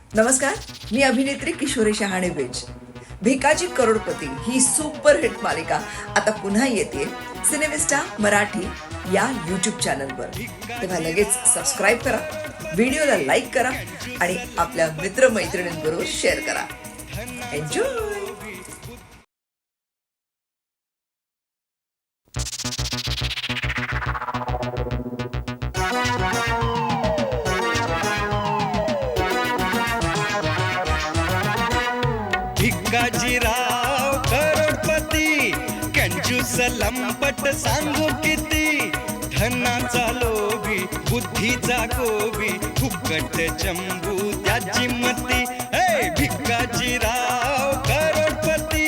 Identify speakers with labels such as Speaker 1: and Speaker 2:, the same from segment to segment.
Speaker 1: नमस्कार, मी अभिनेत्री किशोरी शहाणे बेज. भिकाजी करोडपती ही सुपरहिट मालिका आता पुन्हा येते सिनेमिस्टा मराठी या यूट्यूब चॅनलवर. तेव्हा लगेच सबस्क्राईब करा, व्हिडिओला लाईक करा आणि आपल्या मित्रमैत्रिणींबरोबर शेअर करा. एन्जॉय.
Speaker 2: भिकाजीराव करोडपती कंजूस लंपट सांगू किती, धनाचा लोभी बुद्धीचा गोबी फुकट चंबू त्याची मती. हे भिकाजीराव करोडपती.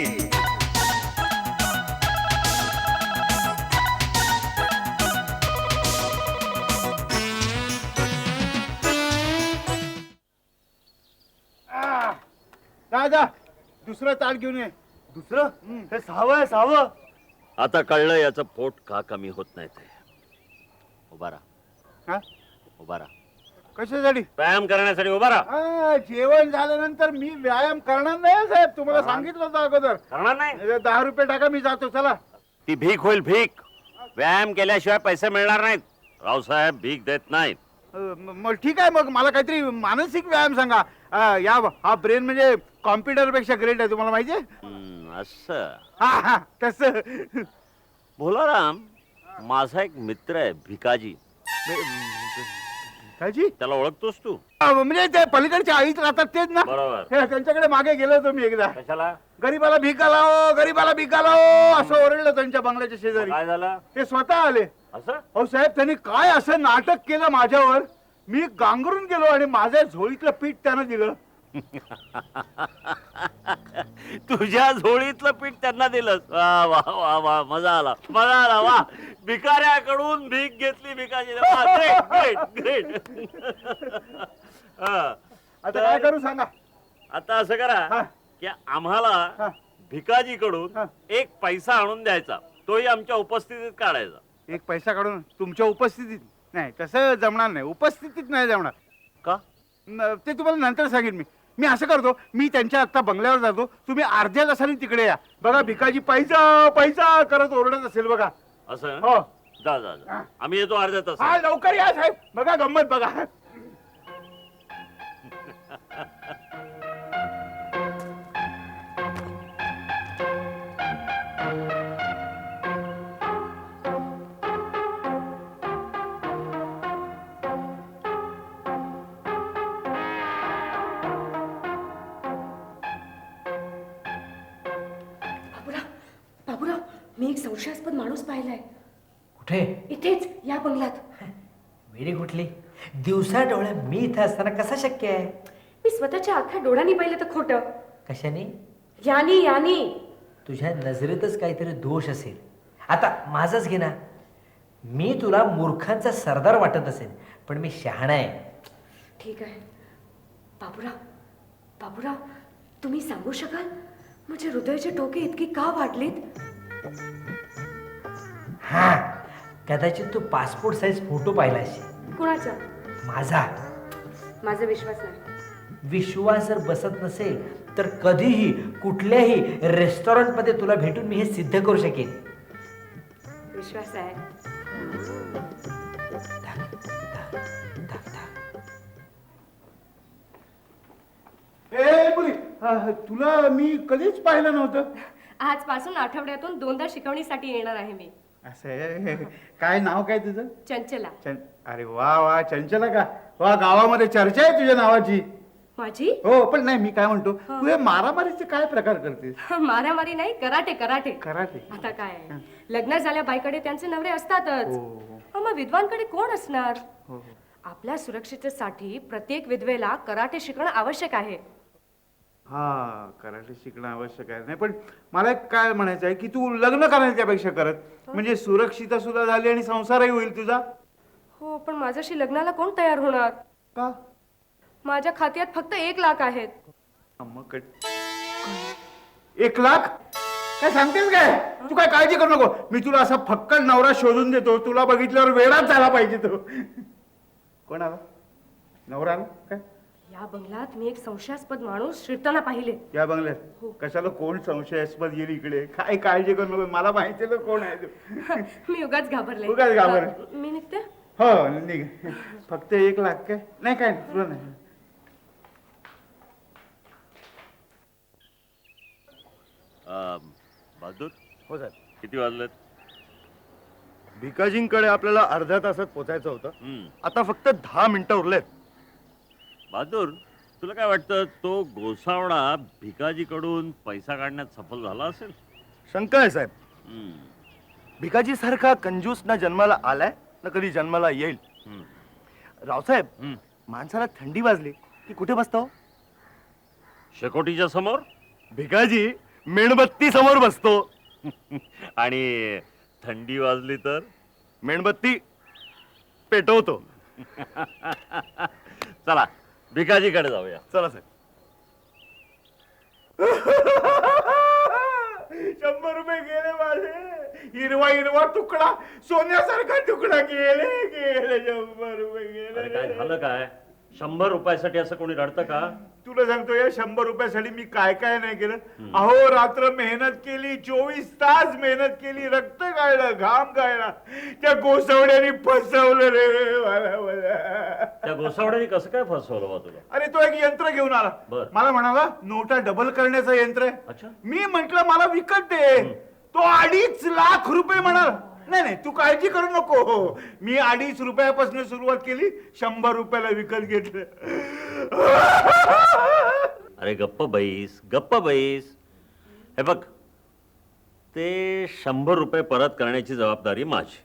Speaker 3: दादा दुसरं ताट घेऊन ये. दुसरं हे सहावं आहे, सहावं.
Speaker 4: आता कळलं याचं पोट का कमी होत नाही ते. उभा राहा,
Speaker 3: हा?
Speaker 4: उभा राहा.
Speaker 3: कशासाठी?
Speaker 4: व्यायाम करण्यासाठी उभा राहा.
Speaker 3: जेवण झाल्यानंतर मी व्यायाम करणार नाही साहेब, तुम्हाला सांगितलं होतं अगोदर.
Speaker 4: करणार नाही?
Speaker 3: 10 रुपये टाका, मी जातो. चला.
Speaker 4: ती भीक होईल, भीक. व्यायाम केल्याशिवाय पैसे मिळणार नाहीत. रावसाहेब भीक देत नाहीत.
Speaker 3: मग ठीक आहे, मग मला काहीतरी मानसिक व्यायाम सांगा. हा ब्रेन म्हणजे कॉम्प्युटर पेक्षा ग्रेट आहे, तुम्हाला माहितीये.
Speaker 4: असं
Speaker 3: हा तसं.
Speaker 4: भोलाराम, माझा एक मित्र आहे भिकाजी.
Speaker 3: काजी
Speaker 4: त्याला ओळखतोस तू?
Speaker 3: म्हणजे ते पलीकडच्या आईत राहतात तेच ना?
Speaker 4: बरोबर.
Speaker 3: त्यांच्याकडे मागे गेलो होतो मी एकदा.
Speaker 4: कशाला?
Speaker 3: गरीबाला भीक घालाओ, गरीबाला भीक घालाओ असं ओरडलं त्यांच्या बंगल्याच्या शेजारी.
Speaker 4: काय झालं?
Speaker 3: ते स्वतः आले.
Speaker 4: असं?
Speaker 3: अहो साहेब, त्यांनी काय असं नाटक केलं माझ्यावर, मी गांगरून गेलो आणि माझ्या झोळीतलं पीठ त्यानं दिलं.
Speaker 4: तुझ्या झोळीतलं पीठ त्यांना दिलंस? वा वा वा वा, मजा आला, मजा आला. वा, भिकाऱ्याकडून भीक घेतली भिकाजी. Great great great.
Speaker 3: आता काय करू सांगा?
Speaker 4: आता असं करा
Speaker 3: हा.
Speaker 4: की आम्हाला
Speaker 3: हा.
Speaker 4: भिकाजीकडून
Speaker 3: हा.
Speaker 4: 1 पैसा आणून द्यायचा, तोही आमच्या उपस्थितीत काढायचा.
Speaker 3: 1 पैसा काढून तुमच्या उपस्थितीत? नाही, तसं जमणार नाही, उपस्थितीत नाही जमणार.
Speaker 4: का?
Speaker 3: ते तुम्हाला नंतर सांगेन. मी असं करतो, मी त्यांच्या आता बंगल्यावर जातो, तुम्ही अर्ध्या तासाने तिकडे या. बघा भिकाजी पैसा पैसा करत ओरडत असेल बघा.
Speaker 4: असं?
Speaker 3: हो.
Speaker 4: जा जा जा. आम्ही येतो अर्ध्या तास.
Speaker 3: हा, लवकर या साहेब. बघा गंमत बघा.
Speaker 5: बाबूराव, मी एक संशयास्पद माणूस पाहिलाय.
Speaker 6: कुठे?
Speaker 5: इथेच या बंगल्यात.
Speaker 6: वेडी कुठली? दिवसा डोळ्या मी इथं असताना कसा शक्य आहे?
Speaker 5: मी स्वतःच्या अख्ख्या डोळ्यांनी पाहिलं तर खोटं.
Speaker 6: कशाने?
Speaker 5: यानी यानी.
Speaker 6: तुझ्या नजरेतच काहीतरी दोष असेल. आता माझंच घे ना. मी तुला मूर्खांचा सरदार वाटत असेल, पण मी शहाणा आहे.
Speaker 5: ठीक आहे. बाबूराव, बाबूराव, तुम्ही सांगू शकाल माझे हृदयाचे ठोके इतकी का वाढलीत?
Speaker 6: हा, कदाचित तू पासपोर्ट साईज फोटो पाहिला असेल
Speaker 5: कुणाचा?
Speaker 6: माझा.
Speaker 5: माझा विश्वास नाही.
Speaker 6: विश्वास जर बसत नसेल तर कधीही कुठल्याही रेस्टॉरंटमध्ये तुला भेटून मी हे सिद्ध करू शकेन.
Speaker 5: विश्वास आहे.
Speaker 3: तुला मी कधीच पाहिलं नव्हतं.
Speaker 5: आजपासून आठवड्यातून 2दा शिकवणीसाठी येणार आहे मी.
Speaker 3: असं आहे. काय नाव काय तुझं?
Speaker 5: चंचला.
Speaker 3: अरे वा वा, चंचला का? वा, गावामध्ये चर्चा आहे तुझ्या नावाची.
Speaker 5: माझी?
Speaker 3: हो, पण नाही, मी काय म्हणतो, तू हे मारामारीचे काय प्रकार करतेस?
Speaker 5: मारामारी नाही, कराटे कराटे.
Speaker 3: कराटे?
Speaker 5: आता काय, लग्न झाल्या बाईकडे त्यांचे नवरे असतातच. मग विद्वानकडे कोण असणार? आपल्या सुरक्षिततेसाठी प्रत्येक विधवेला कराटे शिकणं आवश्यक आहे.
Speaker 3: हा, कराटे शिकणं आवश्यक आहे. नाही, पण मला एक काय म्हणायचं आहे की तू लग्न करायला त्यापेक्षा करत, म्हणजे सुरक्षितता सुद्धा झाली आणि संसारही होईल तुझा.
Speaker 5: हो, पण माझ्याशी लग्नाला कोण तयार होणार?
Speaker 3: का?
Speaker 5: माझ्या खात्यात फक्त 1 लाख आहेत.
Speaker 3: 1 लाख? काय सांगतेस काय? तू काय काळजी करू नको, मी तुला असा फक्कड नवरा शोधून देतो. तुला बघितल्यावर वेळाच झाला पाहिजे तो. कोण आला? नवरा आला काय?
Speaker 5: या बंगल्यात मी एक संशयास्पद माणूस शिरताना पाहिले.
Speaker 3: या बंगल्यात कशाला कोण संशयास्पद येईल इकडे? काय काळजी करू नको, मला माहिती आहे कोण आहे तो.
Speaker 5: मी उगाच घाबरले.
Speaker 3: उगाच घाबरले.
Speaker 5: मी निघते.
Speaker 3: हो निघ. फक्त 1 लाख काय? नाही काय तुला नाही.
Speaker 4: बहादूर,
Speaker 7: हो साहेब.
Speaker 4: किती वाजलेत?
Speaker 7: भिकाजींकडे आपल्याला अर्ध्या तासात पोचायचं होतं.
Speaker 4: हम्म.
Speaker 7: आता फक्त 10 मिनिटं उरलेत.
Speaker 4: बहादूर, तुला काय वाटतं, तो गोसावळा भिकाजीकडून पैसा काढण्यात सफल झाला असेल?
Speaker 7: शंका आहे साहेब.
Speaker 4: हम्म.
Speaker 7: भिकाजी सारखा कंजूस ना जन्माला आलाय ना कधी जन्माला येईल.
Speaker 4: हम्म.
Speaker 7: रावसाहेब,
Speaker 4: हम्म.
Speaker 7: माणसाला थंडी वाजली की कुठे बसतो?
Speaker 4: शेकोटीच्या समोर.
Speaker 7: भिकाजी मेणबत्ती समोर बसतो.
Speaker 4: आणि थंडी वाजली तर
Speaker 7: मेणबत्ती पेटवतो.
Speaker 4: चला भिकाजीकडे जाऊया.
Speaker 7: चला साहेब.
Speaker 3: 100 रुपये गेले माझे. हिरवा हिरवा तुकडा, सोन्यासारखा तुकडा गेले गेले. 100 रुपये
Speaker 4: अरे काय
Speaker 3: गेले.
Speaker 4: झालं काय? 100 रुपयासाठी असं कोणी रडतं का?
Speaker 3: तुला सांगतो या 100 रुपयासाठी मी काय काय नाही केलं. अहो रात्र मेहनत केली, 24 तास मेहनत केली, रक्त गाळलं, घाम गाळला. त्या गोसावड्याने फसवलं रे मला.
Speaker 4: त्या गोसावड्याने कसं काय फसवलं बा तुला?
Speaker 3: अरे तो एक यंत्र घेऊन आला.
Speaker 4: बर.
Speaker 3: मला म्हणाला नोटा डबल करण्याचं यंत्र आहे.
Speaker 4: अच्छा.
Speaker 3: मी म्हंटल मला विकत दे. तो 2.5 लाख रुपये म्हणाला. नाही नाही तू काळजी करू नको, मी 2.5 रुपयापासून सुरुवात केली, 100 रुपयाला विकत घेतलं.
Speaker 4: अरे गप्प बैस, गप्प बैस. हे बघ, ते 100 रुपये परत करण्याची जबाबदारी माझी.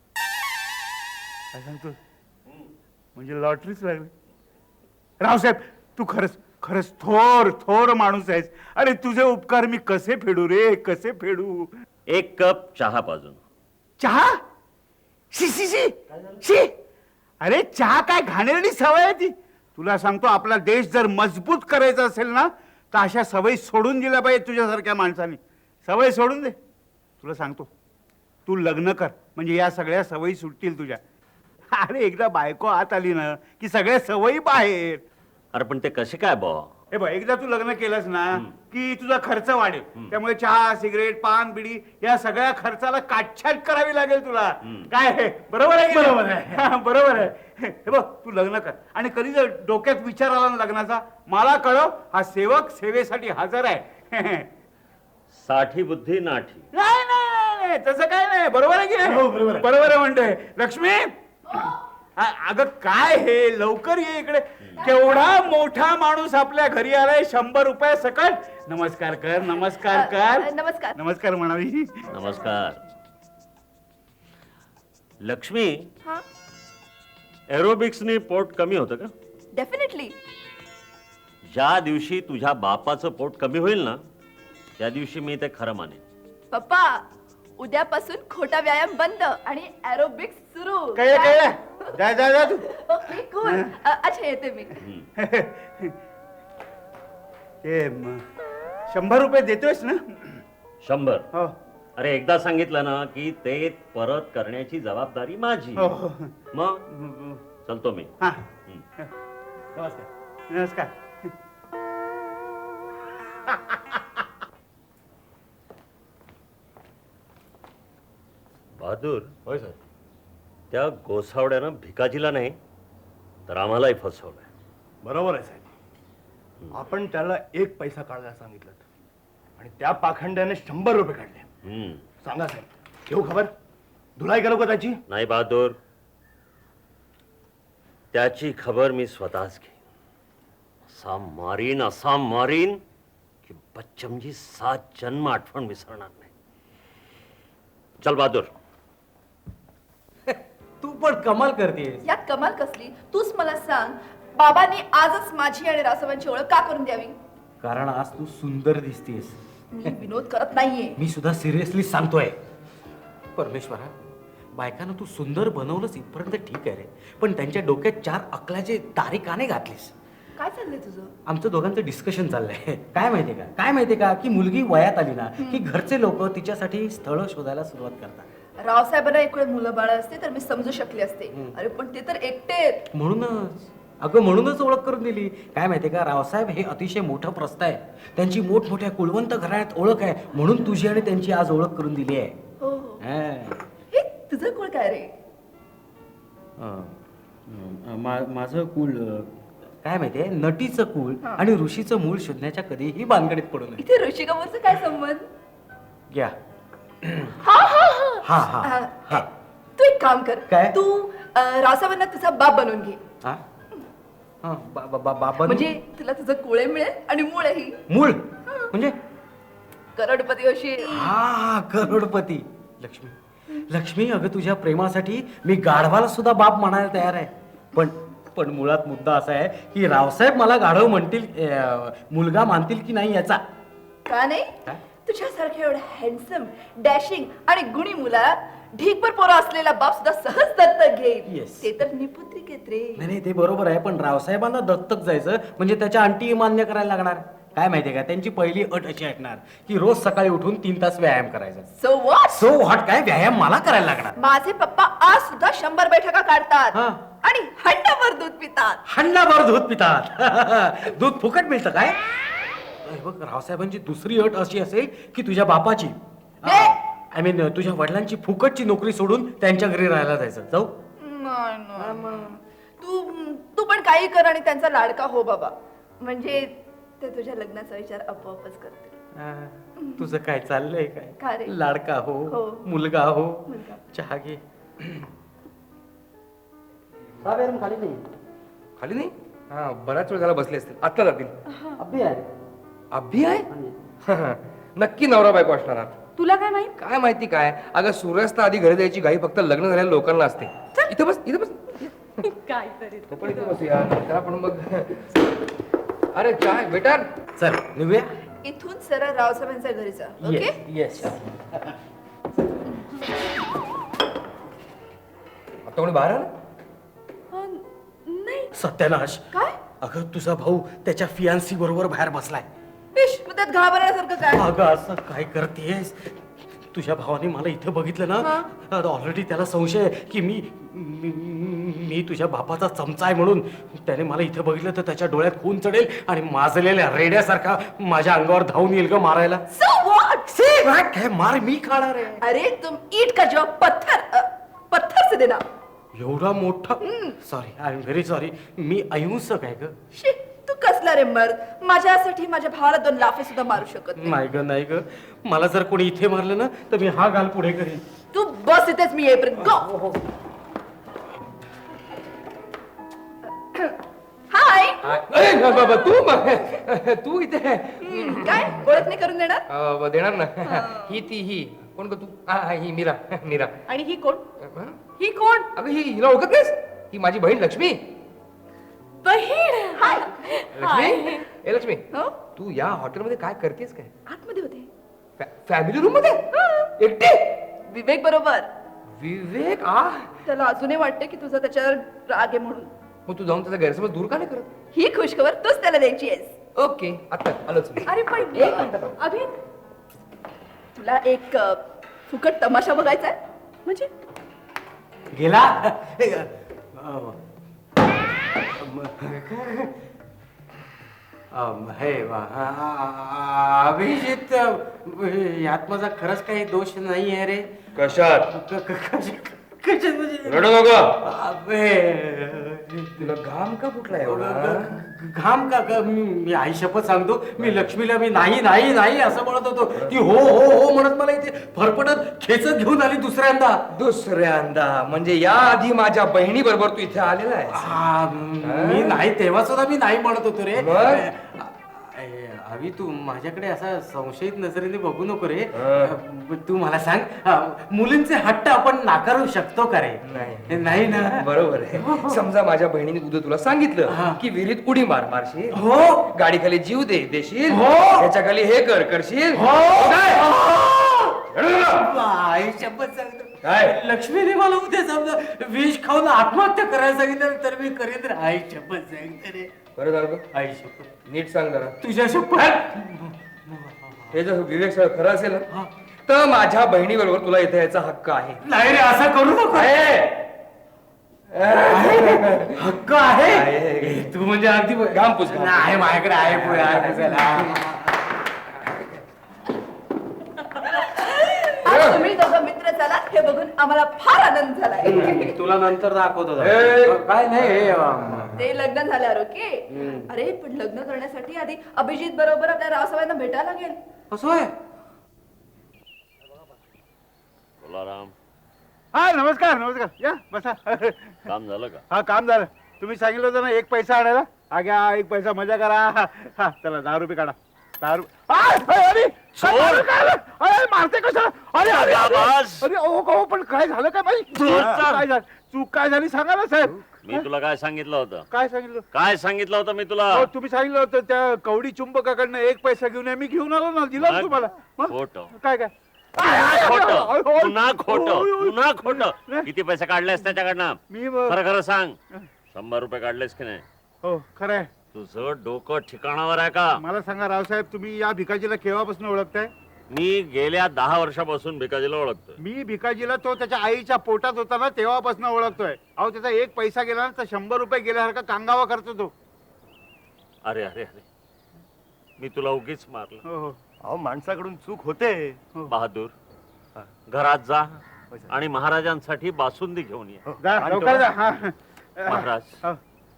Speaker 3: काय सांगतो म्हणजे लॉटरीच लागली. रावसाहेब तू खरंच खरंच थोर थोर माणूस आहेस. अरे तुझे उपकार मी कसे फेडू रे, कसे फेडू.
Speaker 4: 1 कप चहा पाजून.
Speaker 3: चहा? शी शी शी शी. अरे चहा काय घाणेरडी सवय आहे ती. तुला सांगतो आपला देश जर मजबूत करायचा असेल ना तर अशा सवयी सोडून दिल्या पाहिजे तुझ्यासारख्या माणसाने. सवय सोडून दे. तुला सांगतो तू लग्न कर म्हणजे या सगळ्या सवयी सुटतील तुझ्या. अरे एकदा बायको आत आली ना की सगळ्या सवयी बाहेर.
Speaker 4: अरे पण ते कसे काय बा?
Speaker 3: हे बघ एकदा तू लग्न केलंस ना की तुझा खर्च वाढेल. त्यामुळे चहा, सिगरेट, पान, बिडी या सगळ्या खर्चाला काटछाट करावी लागेल तुला. काय आहे बरोबर आहे? बरोबर आहे. बरोबर आहे. हे बघ तू लग्न कर आणि कधी जर डोक्यात विचार आला ना लग्नाचा मला कळव. हा सेवक सेवेसाठी हजर आहे.
Speaker 4: साठी बुद्धी नाठी.
Speaker 3: नाही नाही नाही तसं काय नाही. बरोबर आहे की नाही? बरोबर आहे म्हणतोय. लक्ष्मी अगं काय हे लवकर ये इकडे. केवढा मोठा माणूस आपल्या घरी आलाय. 100 रुपये सकट. नमस्कार कर, नमस्कार कर.
Speaker 8: नमस्कार.
Speaker 3: नमस्कार म्हणावी.
Speaker 4: नमस्कार. लक्ष्मी,
Speaker 8: हा
Speaker 4: एरोबिक्सनी पोट कमी होतं का?
Speaker 8: डेफिनेटली.
Speaker 4: ज्या दिवशी तुझ्या बापाचं पोट कमी होईल ना त्या दिवशी मी ते खरं मानेन.
Speaker 8: पप्पा उद्यापासून खोटा व्यायाम बंद आणि एरोबिक्स सुरू.
Speaker 3: कळलं कळलं. जा जा जा तू.
Speaker 8: Okay cool. अच्छा येते मी.
Speaker 3: ते 100 रुपये देतोयस ना?
Speaker 4: 100.
Speaker 3: हो
Speaker 4: अरे एकदा सांगितलं ना की ते परत करण्याची जबाबदारी माझी.
Speaker 3: हो हो.
Speaker 4: मग चलतो मी.
Speaker 3: हा
Speaker 4: हं.
Speaker 3: नमस्कार. नमस्कार.
Speaker 4: बहादूर,
Speaker 7: होय सर.
Speaker 4: त्या गोसावड्यानं भिकाजीला नाही तर आम्हालाही फसवलंय.
Speaker 7: बरोबर आहे साहेब. आपण त्याला 1 पैसा काढायला सांगितलं आणि त्या पाखंड्याने 100 रुपये काढले.
Speaker 4: हं.
Speaker 7: सांगा साहेब, घेऊ खबर? धुलाई करू का त्याची?
Speaker 4: नाही बहादूर, त्याची खबर मी स्वतःच घेईन. असा मारीन की बच्चमजी 7 जन्म आठवण विसरणार नाही. चल बहादूर.
Speaker 6: तू पण कमाल करतेस.
Speaker 8: यात कमाल कसली? तूच मला सांग, बाबांनी आजच माझी आणि रासवांची ओळख का करून द्यावी?
Speaker 6: कारण आज तू सुंदर दिसतेस.
Speaker 8: मी विनोद करत नाहीये.
Speaker 6: मी सुद्धा सिरियसली सांगतोय. परमेश्वरा, बायकांना तू सुंदर बनवलंस इथपर्यंत ठीक आहे रे, पण त्यांच्या डोक्यात 4 अकलाचे तारे का नाही घातलीस?
Speaker 8: काय चाललंय तुझं?
Speaker 6: आमचं दोघांचं डिस्कशन चाललंय. काय माहितीये का की मुलगी वयात आली ना की घरचे लोक तिच्यासाठी स्थळ शोधायला सुरुवात करतात.
Speaker 8: रावसाहेबांना इकडे मुलं बाळ असते तर मी समजू शकले असते. अरे पण ते तर एकटे आहेत.
Speaker 6: म्हणूनच अगं म्हणूनच ओळख करून दिली. काय माहितीये का, रावसाहेब हे अतिशय मोठं प्रस्थ आहे. त्यांची मोठमोठ्या कुलवंत घराण्यात ओळख आहे, म्हणून तुझी आणि त्यांची आज ओळख करून दिली आहे.
Speaker 8: हो हो
Speaker 6: हा.
Speaker 8: हे तुझं कुळ काय रे?
Speaker 6: माझं कुल काय माहितीये, नटीचं कुल आणि ऋषीचं मूळ शोधण्याच्या कधीही भानगडीत पडू नये.
Speaker 8: इथे ऋषिकपूरचा काय संबंध?
Speaker 6: घ्या.
Speaker 8: हा हा हा
Speaker 6: हा हा हा.
Speaker 8: तू एक काम कर.
Speaker 6: काय?
Speaker 8: तू रावसाहेबांना तुझा बाप बनवून घे.
Speaker 6: हा? हा, बाबा
Speaker 8: म्हणजे तुला तुझं कुळे मिळेल आणि मुळेही.
Speaker 6: मूळ म्हणजे
Speaker 8: करोडपती होशील.
Speaker 6: हा, करोडपती. लक्ष्मी, लक्ष्मी, अगं तुझ्या प्रेमासाठी मी गाढवाला सुद्धा बाप म्हणायला तयार आहे. पण मुळात मुद्दा असा आहे की रावसाहेब मला गाढव म्हणतील, मुलगा मानतील की नाही याचा.
Speaker 8: का नाही?
Speaker 6: काय?
Speaker 8: तुझ्यासारख्या एवढ्या हँडसम, डॅशिंग आणि गुणी मुलाला ढीकभर पोरं असलेला बाप सुद्धा सहज दत्तक घेईल.
Speaker 6: Yes.
Speaker 8: ते तर निपुत्रिक आहेत रे.
Speaker 6: नाही ते बरोबर आहे, पण रावसाहेबांना दत्तक जायचं म्हणजे त्याच्या अंटी मान्य करायला लागणार. काय माहितीये का, त्यांची पहिली अट अशी ऐकणार की रोज सकाळी उठून 3 तास व्यायाम करायचा.
Speaker 8: So what?
Speaker 6: सो व्हॉट, काय व्यायाम मला करायला लागणार.
Speaker 8: माझे पप्पा आज सुद्धा 100 बैठका काढतात
Speaker 6: हा.
Speaker 8: आणि हंडाभर दूध पितात.
Speaker 6: हंडाभर दूध पितात. दूध फुकट मिळतं काय? अरे बघ, रावसाहेबांची दुसरी अट अशी असेल की तुझ्या बापाची,
Speaker 8: हे?
Speaker 6: आय मीन तुझ्या वडिलांची फुकटची नोकरी सोडून त्यांच्या घरी राहायला जायचं. जाऊ?
Speaker 8: तू पण काही कर आणि त्यांचा लाडका हो बाबा. म्हणजे ते तुझ्या लग्नाचा विचार आपोआपच करतील.
Speaker 6: तुझं काय चाललंय
Speaker 8: का
Speaker 6: काय?
Speaker 8: रे?
Speaker 6: लाडका हो,
Speaker 8: हो.
Speaker 6: मुलगा हो.
Speaker 8: मुलगा.
Speaker 6: चहा घे.
Speaker 9: खाली नाही? हा, बराच वेळ झाला बसले असतील, आत्ता जातील. अभि आहे? नक्की नवरा बायको असणार आहात.
Speaker 5: तुला काय माहित?
Speaker 9: काय माहिती काय, अगं सूर्यास्त आधी घरी जायची घाई फक्त लग्न झालेल्या लोकांना असते. इथं बस, इथं बस.
Speaker 5: काय तरी.
Speaker 9: तो पण इथं बसूया, नंतर आपण मग. अरे चाय बेटर.
Speaker 6: चल निघूया.
Speaker 8: इथून सरळ रावसाहेबांच्या घरी जा. ओके?
Speaker 6: येस.
Speaker 9: आता कोणी बाहेर आलं?
Speaker 8: नाही.
Speaker 6: सत्यानाश.
Speaker 8: काय?
Speaker 6: अगं तुझा भाऊ त्याच्या फियांसी बरोबर बाहेर बसलाय.
Speaker 8: इश, मग त्यात घाबरण्यासारखं काय?
Speaker 6: अगं असं काय करतेस? तुझ्या भावाने मला इथं बघितलं ना, ऑलरेडी त्याला संशय आहे की मी तुझ्या बापाचा चमचा आहे म्हणून. त्याने मला इथं बघितलं तर त्याच्या डोळ्यात खून चढेल आणि माजलेल्या रेड्यासारखा माझ्या अंगावर धावून येईल ग मारायला.
Speaker 8: So what?
Speaker 6: काय मार मी खाणार आहे?
Speaker 8: अरे तुम ईट का जवाब पत्थर से देना.
Speaker 6: एवढा मोठा? Sorry, I am very sorry. मी अहिंसक आहे ग.
Speaker 8: शी, तू कसला रे मर्द? माझ्यासाठी माझ्या भावाला 2 लाफे सुद्धा मारू शकत नाही.
Speaker 6: नाही ग, नाही ग. मला जर कोणी इथे मारलं ना तर मी हा गाल पुढे करीन.
Speaker 8: तू बस इथेच, मी येईपर्यंत. गो. हाय.
Speaker 9: अरे बाबा, तू इथे.
Speaker 8: काय ओळख नाही करून देणार?
Speaker 9: देणार ना. ही कोण ग तू? ही मीरा. मीरा.
Speaker 8: आणि ही कोण?
Speaker 9: हं?
Speaker 8: ही कोण?
Speaker 9: अगं हिला ओळखत नाहीस? ही माझी बहीण लक्ष्मी.
Speaker 8: बहीण. हाय.
Speaker 9: लक्ष्मी, ए लक्ष्मी,
Speaker 8: हो?
Speaker 9: तू या हॉटेलमध्ये काय करतेस काय?
Speaker 8: आतमध्ये होते.
Speaker 9: फॅमिली रूम मध्ये एकटी?
Speaker 8: विवेक बरोबर.
Speaker 9: विवेक
Speaker 8: त्याला अजूनही वाटते की तुझा त्याच्यावर राग आहे म्हणून.
Speaker 9: मग तू जाऊन त्याचा गैरसमज दूर का नाही करत?
Speaker 8: ही खुशखबर तूच त्याला द्यायची आहेस.
Speaker 9: ओके, आता आलोच मी.
Speaker 8: अरे पण एक मिनिट. अभि, तुला एक फुकट तमाशा बघायचा आहे? म्हणजे
Speaker 6: गेला. हे अभिजित, यात माझा खरंच काही दोष नाही आहे रे.
Speaker 9: कशात?
Speaker 6: कशात म्हणजे?
Speaker 9: रडू नको.
Speaker 6: अबे,
Speaker 9: तुला घाम का फुटला एवढा?
Speaker 6: घाम का? मी आई शपथ सांगतो, मी लक्ष्मीला मी नाही नाही नाही असं म्हणत होतो. ती हो हो हो म्हणत मला इथे फरफटत खेचत घेऊन आली दुसऱ्यांदा.
Speaker 9: दुसऱ्यांदा म्हणजे या आधी माझ्या बहिणी बरोबर तू इथे आलेला आहे?
Speaker 6: मी नाही, तेव्हा सुद्धा मी नाही म्हणत होतो रे.
Speaker 9: मग?
Speaker 6: अभि, तू माझ्याकडे असा संशयित नजरेने बघू नको रे. तू मला सांग, मुलींचे हट्ट आपण नाकारू शकतो का रे? नाही ना.
Speaker 9: बरोबर आहे. समजा माझ्या बहिणीने उद्या तुला सांगितलं की विहिरीत उडी मारशील,
Speaker 6: हो.
Speaker 9: गाडीखाली जीव देशील,
Speaker 6: हो.
Speaker 9: त्याच्या खाली हे करशील.
Speaker 6: आई शपथ सांगतो,
Speaker 9: काय?
Speaker 6: लक्ष्मीने मला उद्या समजा विष खाऊन आत्महत्या करायला सांगितलं तर मी करेन रे. आई शपथ सांगते रे.
Speaker 9: बरं झालं.
Speaker 6: आई शपथ,
Speaker 9: नीट सांग जरा.
Speaker 6: तुझ्या शपथ.
Speaker 9: हे जर विवेक सगळं खरं असेल ना, तर माझ्या बहिणी बरोबर तुला इथे यायचा हक्क आहे.
Speaker 6: नाही रे, असं करू नको. हक्क आहे तू म्हणजे अगदी
Speaker 9: घाम पुस, घाम पुस.
Speaker 6: नाही माझ्याकडे आहे पुढे आहे पुसायला.
Speaker 8: आज तुम्ही दोघं मित्र झाला हे बघून आम्हाला फार आनंद झालाय.
Speaker 6: तुला नंतर दाखवतो
Speaker 9: ए!
Speaker 6: काय नाही
Speaker 8: ते लग्न झाल्यावर ओके. अरे पण लग्न करण्यासाठी आधी अभिजित बरोबर आपल्या रावसाहेबांना भेटायला लागेल.
Speaker 6: असं आहे.
Speaker 4: बोला राम,
Speaker 3: हा नमस्कार नमस्कार या बसा.
Speaker 4: काम झालं का?
Speaker 3: हा काम झालं. तुम्ही सांगितलं होतं ना 1 पैसा आणायला. हा घ्या 1 पैसा मजा करा. हा चला 10 रुपये काढा. 10 रुपये. अरे अरे मारते कसं. अरे अरे
Speaker 4: आवाज!
Speaker 3: अरे ओ पण काय झालं काय बाई.
Speaker 4: जोरदार.
Speaker 3: काय झालं चूक काय झाली सांगा ना साहेब.
Speaker 4: मी तुला काय सांगितलं होतं?
Speaker 3: काय सांगितलं.
Speaker 4: काय सांगितलं होतं मी तुला?
Speaker 3: हो तुम्ही सांगितलं होतं त्या कवडी चुंबकाकडनं 1 पैसा घेऊन या. मी घेऊन आलो ना दिला ना तुम्हाला. मग?
Speaker 4: खोटं.
Speaker 3: काय काय
Speaker 4: खोटं, पुन्हा खोटं, पुन्हा खोटं. किती पैसे काढलेस त्याच्याकडनं?
Speaker 3: मी
Speaker 4: खरं खरं सांग. 100 रुपये काढलेस की नाही?
Speaker 3: हो खरं आहे.
Speaker 4: तुझं डोकं ठिकाणावर आहे का?
Speaker 3: मला सांगा रावसाहेब तुम्ही या भिकाजीला केव्हापासून ओळखताय.
Speaker 4: मी गेल्या 10 वर्षापासून भिकाजीला ओळखतोय.
Speaker 3: मी भिकाजीला तो त्याच्या आईच्या पोटात होता ना तेव्हापासून ओळखतोय. अहो त्याचा 1 पैसा गेला ना तर 100 रुपये गेल्यासारखा कांगावा करतो तो.
Speaker 4: अरे अरे अरे, मी तुला उगीच मारलं.
Speaker 3: हो हो
Speaker 7: अहो माणसाकडून चूक होते.
Speaker 4: बहादूर, घरात जा आणि महाराजांसाठी बासुंदी घेऊन ये.
Speaker 3: जा, लवकर जा. हा.
Speaker 4: महाराज,
Speaker 3: हो.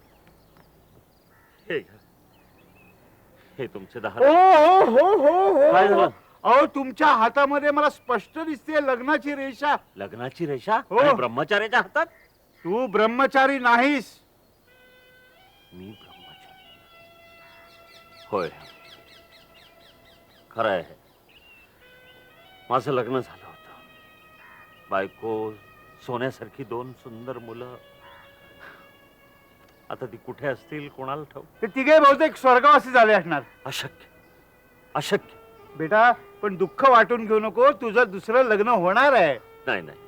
Speaker 4: हे घ्या. हे तुमचे 10
Speaker 3: हो हो हो हो
Speaker 4: काय
Speaker 3: हो
Speaker 4: झालं?
Speaker 3: अहो तुमच्या हातामध्ये मला स्पष्ट दिसते लग्नाची रेषा.
Speaker 4: लग्नाची रेषा
Speaker 3: हो.
Speaker 4: आणि ब्रह्मचार्याच्या हातात.
Speaker 3: तू ब्रह्मचारी नाहीस.
Speaker 4: मी ब्रह्मचारी होय, खरं आहे. माझं लग्न झालं होतं. बायको, सोन्यासारखी 2 सुंदर मुलं. आता ती कुठे असतील कोणाला ठाऊक.
Speaker 3: ते तिघे बहुतेक स्वर्गवासी झाले असणार.
Speaker 4: अशक्य, अशक्य.
Speaker 3: बेटा पण दुःख वाटून घेऊ नको. तुझं दुसरं लग्न होणार आहे.
Speaker 4: नाही नाही,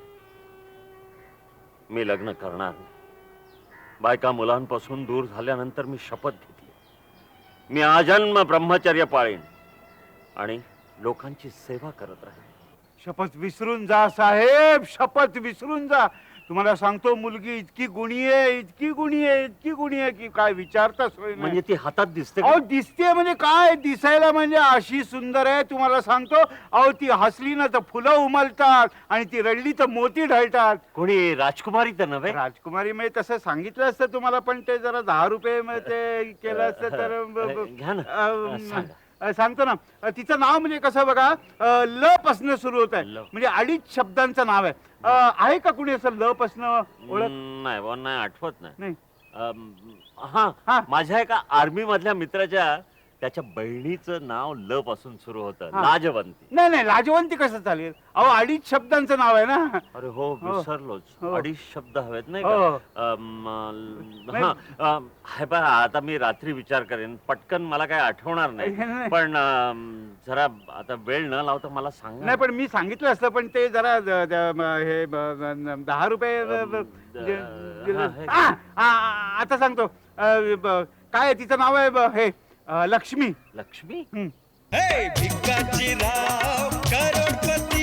Speaker 4: मी लग्न करणार नाही. बायका मुलांपासून दूर झाल्यानंतर मी शपथ घेतली, मी आजन्म ब्रह्मचर्य पाळीन आणि लोकांची सेवा करत राहीन.
Speaker 3: शपथ विसरून जा साहेब. शपथ विसरून जा. तुम्हाला सांगतो मुलगी इतकी गुणी आहे, इतकी गुणी आहे, इतकी गुणी आहे की काय विचारता सोय नाही.
Speaker 4: म्हणजे ती हातात दिसते का?
Speaker 3: अहो दिसते म्हणजे काय दिसायला म्हणजे अशी सुंदर आहे तुम्हाला सांगतो. अहो ती हसली ना तर फुलं उमलतात आणि ती रडली तर मोती ढळतात.
Speaker 4: कोणी राजकुमारी तर नव्हे?
Speaker 3: राजकुमारी म्हणजे तसं सांगितलं असतं तुम्हाला पण ते जरा 10 रुपये ते केलं असतं तर
Speaker 4: घ्या ना. सांगा.
Speaker 3: सांगतो ना. तिचं नाव म्हणजे कसं बघा ल पासनं सुरू होत आहे.
Speaker 4: ल.
Speaker 3: म्हणजे 2.5 शब्दांचं नाव आहे. आहे का कुणी असं ल पासनं ओळख.
Speaker 4: नाही बुवा, नाही आठवत नाही.
Speaker 3: नाही
Speaker 4: हा,
Speaker 3: हा.
Speaker 4: माझ्या एका आर्मी मधल्या मित्राच्या त्याच्या बहिणीचं नाव ल पासून सुरू होतं.
Speaker 3: हा.
Speaker 4: लाजवंती.
Speaker 3: नाही नाही लाजवंती कसं चालेल. अहो 2.5 शब्दांचं नाव आहे ना.
Speaker 4: अरे हो,
Speaker 3: हो.
Speaker 4: विसरलोच.
Speaker 3: हो.
Speaker 4: 2.5 शब्द हवेत नाही
Speaker 3: हो.
Speaker 4: का? हे बघा, आता मी रात्री विचार करेन. पटकन मला काय आठवणार नाही.
Speaker 3: नाही.
Speaker 4: पण जरा आता वेळ न लावता मला सांगा.
Speaker 3: नाही पण मी सांगितलं असतं पण ते जरा हे 10 रुपये
Speaker 4: हा, हे.
Speaker 3: आता सांगतो. काय आहे तिचं नाव आहे हे लक्ष्मी.
Speaker 4: लक्ष्मी.
Speaker 3: हं.
Speaker 2: हे भिकाजी राव करोडपती